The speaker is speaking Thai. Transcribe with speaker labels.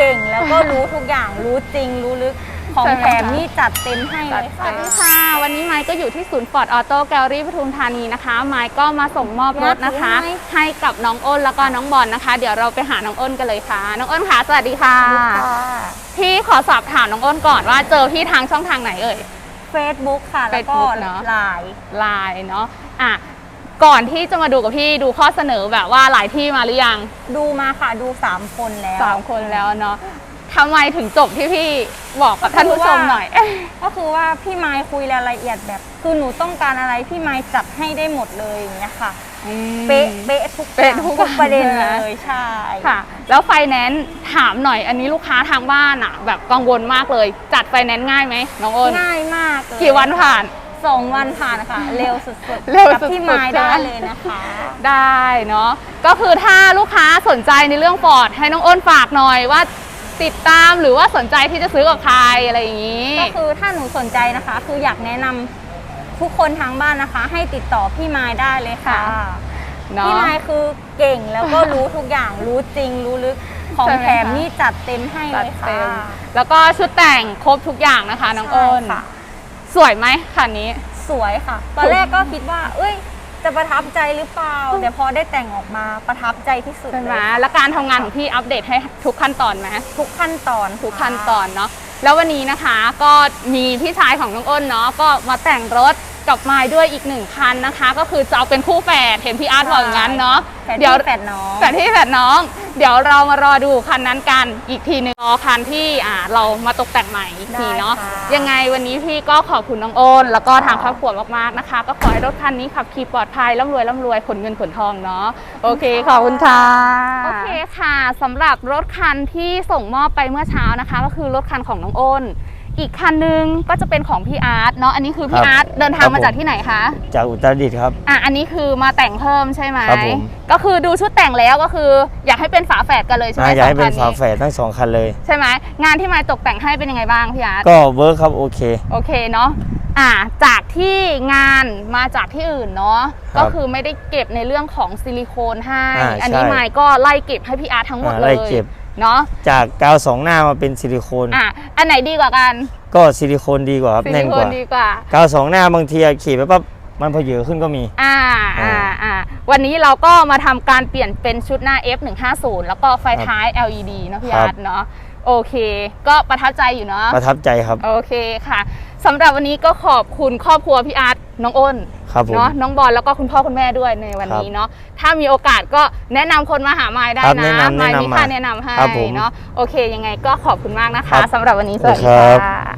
Speaker 1: ก่งแล้วก็รู้ทุกอย่างรู้จริงรู้ลึกของแถมนี่จัดเต็มให้เลยค่ะ
Speaker 2: สวัสดีค่ะวันนี้ไมค์ก็อยู่ที่ศูนย์ฟอร์ดออโต้แกลเลอรี่ปทุมธานีนะคะไมค์ก็มาส่งมอบรถนะคะให้กับน้องอ้นแล้วก็น้องบอลนะคะเดี๋ยวเราไปหาน้องอ้นกันเลยค่ะน้องอ้นค่ะสวัสดีค่ะพี่ขอสอบถามน้องอ้นก่อนว่าเจอพี่ทางช่องทางไหนเอ่ย
Speaker 1: Facebook ค่ะแล้วก็
Speaker 2: Facebook เนอะ
Speaker 1: ไลน์
Speaker 2: เนาะก่อนที่จะมาดูกับพี่ดูข้อเสนอแบบว่าหลายที่มาหรือยัง
Speaker 1: ดูมาค่ะดู3 คนแล้ว
Speaker 2: 3 คนแล้วเนาะทำไมถึงจบที่พี่บอกกับท่านผู้ชมหน่อย
Speaker 1: ก็คือว่าพี่ไมค์คุยรายละเอียดแบบคือหนูต้องการอะไรพี่ไมค์จัดให้ได้หมดเลยอย่างเงี้ยค่ะเป๊ะทุกประเด็นเลยใช่
Speaker 2: ค่ะแล้วไฟแนนซ์ถามหน่อยอันนี้ลูกค้าทางบ้านอ่ะแบบกังวลมากเลยจัดไฟแนนซ์ง่ายไหมน้องอ้น
Speaker 1: ง่ายมากเลย
Speaker 2: กี่วันผ่าน
Speaker 1: 2 วันผ่านค่ะเร็วสุดๆ
Speaker 2: เร็ว
Speaker 1: สุดๆพี่ไมค์ได้เลยนะคะ
Speaker 2: ได้เนาะก็คือถ้าลูกค้าสนใจในเรื่องฟอร์ดให้น้องอ้นฝากหน่อยว่าติดตามหรือว่าสนใจที่จะซื้อกับใครอะไรอย่างนี้
Speaker 1: ก็คือถ้าหนูสนใจนะคะคืออยากแนะนำทุกคนทางบ้านนะคะให้ติดต่อพี่ไมค์ได้เลยค่ะพี่ไมค์คือเก่งแล้วก็รู้ทุกอย่างรู้จริงรู้ลึกของแถมนี่จัดเต็มให้เลยค่ะ
Speaker 2: แล้วก็ชุดแต่งครบทุกอย่างนะคะน้องอ้นสวยไหมคันนี้
Speaker 1: สวยค่ะตอนแรกก็คิดว่าจะประทับใจหรือเปล่าแต่พอได้แต่งออกมาประทับใจที่สุดเลย
Speaker 2: แล้วการทำงานของพี่อัปเดตให้ทุกขั้นตอนไหม
Speaker 1: ทุกขั้นตอน
Speaker 2: เนาะแล้ววันนี้นะคะก็มีพี่ชายของน้องอ้นเนาะก็มาแต่งรถกับไมค์ด้วยอีก1 คันนะคะก็คือจะเอาเป็นคู่แฝดเห็นพี่อาร์ตบอกอย่างนั้นเนาะ
Speaker 1: เดี๋ยวแฝดน้อง
Speaker 2: เดี๋ยวเรามารอดูคันนั้นกันอีกทีนึงรอคันที่เรามาตกแต่งใหม่อีกทีเนาะยังไงวันนี้พี่ก็ขอบคุณน้องอ้นแล้วก็ทางครอบครัวมากๆนะคะก็ขอให้รถคันนี้ขับขี่ปลอดภัยร่ำรวยขนเงินขนทองเนาะโอเคขอบคุณค่ะโอเคค่ะสำหรับรถคันที่ส่งมอบไปเมื่อเช้านะคะก็คือรถคันของน้องอ้นอีกคันนึงก็จะเป็นของพี่อาร์ตเนาะอันนี้คือพี่อาร์ตเดินทางมาจากที่ไหนคะ
Speaker 3: จากอุตรดิตถ์ครับ
Speaker 2: อันนี้คือมาแต่งเพิ่มใช่ไหม
Speaker 3: ครับผม
Speaker 2: ก็คือดูชุดแต่งแล้วก็คืออยากให้เป็นฝาแฝดกันเลยใช่ไหม
Speaker 3: อยากให้เป็นฝาแฝดทั้ง2 คันเลย
Speaker 2: ใช่ไหมงานที่มาตกแต่งให้เป็นยังไงบ้างพี่อาร์ต
Speaker 3: ก็เวิร์คครับโอเค
Speaker 2: เนาะจากที่งานมาจากที่อื่นเนาะก็คือไม่ได้เก็บในเรื่องของซิลิโคนให้อันนี้ไมค์ก็ไล่เก็บให้พี่อาร์ตทั้งหมดเลยเนาะ
Speaker 3: จากกาว2 หน้ามาเป็นซิลิโคน
Speaker 2: อันไหนดีกว่ากัน
Speaker 3: ก็ซิลิโคนดีกว่าครับแน่นกว่ากาว2 หน้าบางทีขี่ไปปั๊บมันพอเยอะขึ้นก็มี
Speaker 2: วันนี้เราก็มาทำการเปลี่ยนเป็นชุดหน้า F150 แล้วก็ไฟท้าย LED นะพี่อาร์ตเนาะโอเคก็ประทับใจอยู่เนาะ
Speaker 3: ประทับใจครับ
Speaker 2: โอเคค่ะสำหรับวันนี้ก็ขอบคุณครอบครัวพี่อาร์ตน้องอ้นเนาะน้องบอลแล้วก็คุณพ่อคุณแม่ด้วยในวันนี้เนาะถ้ามีโอกาสก็แนะนำคนมาหาไมค์ได้นะไมค์มีค่าแนะนำให้เนาะโอเคยังไงก็ขอบคุณมากนะคะสำหรับวันนี้สวัสดีค่ะ